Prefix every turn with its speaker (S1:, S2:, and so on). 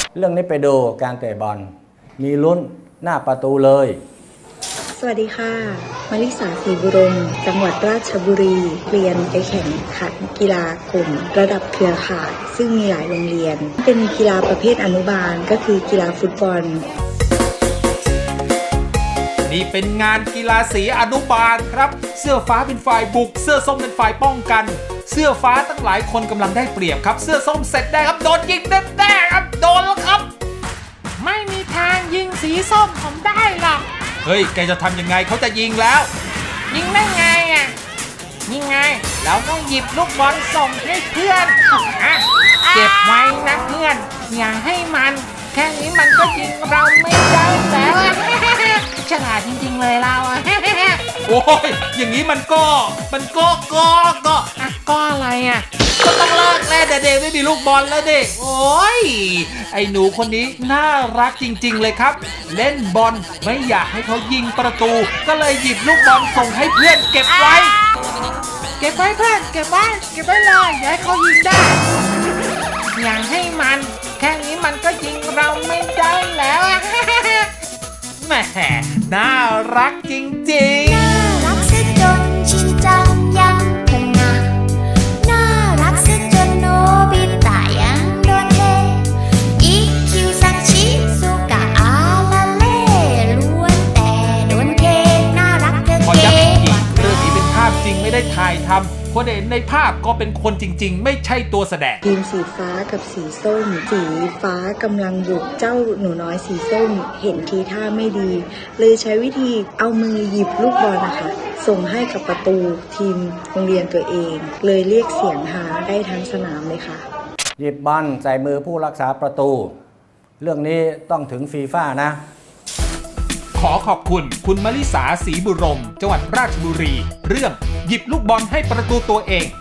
S1: เรื่องนี้ไปดูการเตะบอลมีลุ้นหน้าประตูเลย
S2: สวัสดีค่ะมาริสาศรีบุรมจังหวัดราชบุรีเรียนไปแข่งขันกีฬากลุ่มระดับเครือข่ายซึ่งมีหลายโรงเรียนเป็นกีฬาประเภทอนุบาลก็คือกีฬาฟุตบอล
S3: นี่เป็นงานกีฬาสีอนุบาลครับเสื้อฟ้าเป็นฝ่ายบุกเสื้อส้มเป็นฝ่ายป้องกันเสื้อฟ้าตั้งหลายคนกำลังได้เปรียบครับเสื้อส้มเสร็จได้ครับโดนยิงแน่ๆครับโดนแล้วครับ
S4: ไม่มีทางยิงสีส้มผมได้หรอก
S3: เฮ้ยแกจะทำยังไงเขาจะยิงแล้ว
S4: ยิงได้ไงอ่ะยิงไงเราต้องหยิบลูกบอลส่งให้เพื่อนเก็บไว้นะเพื่อนอย่าให้มันแค่นี้มันก็ยิงเราไม่ได้แล้วฉลาดจริงๆเลยเรา
S3: โอ้ยอย่างนี้มันก็
S4: อะไรอ่ะ
S3: ก็ต้องเลิกแล้วเด็กไม่มีลูกบอลแล้วเด็กโอ้ยไอ้หนูคนนี้น่ารักจริงๆเลยครับเล่นบอลไม่อยากให้เขายิงประตูก็เลยหยิบลูกบอลส่งให้เพื่อนเก็บไว้
S4: เก็บไว้เพื่อนเก็บไว้เลยอย่าให้เขายิงได้อย่าให้มันแค่นี้มันก็ยิงเราไม่ได้แล้ว
S3: แหมน่ารักจริงๆ
S5: น่ารักซะจนชินจังยังพนาน่ารักซะจนโนบิตะยังโดนเทอีคิวซังชิสุกะอาลาเล่ล้วนแต่โดนเทน่ารักเก๋
S3: ขอย้ำอีกทีเรื่องนี้เป็นภาพจริงไม่ได้ถ่ายทำคนเห็นในภาพก็เป็นคนจริงๆไม่ใช่ตัวแสดง
S2: ทีมสีฟ้ากับสีส้มสีฟ้ากำลังบุกเจ้าหนูน้อยสีส้มเห็นทีท่าไม่ดีเลยใช้วิธีเอามือหยิบลูกบอลนะคะส่งให้กับประตูทีมโรงเรียนตัวเองเลยเรียกเสียงฮาได้ทั้งสนามเลยค่ะ
S1: หยิบบอลใส่มือผู้รักษาประตูเรื่องนี้ต้องถึงฟีฟ่านะ
S3: ขอขอบคุณคุณมลิสาศรีบุรมจังหวัดราชบุรีเรื่องหยิบลูกบอลให้ประตูตัวเอง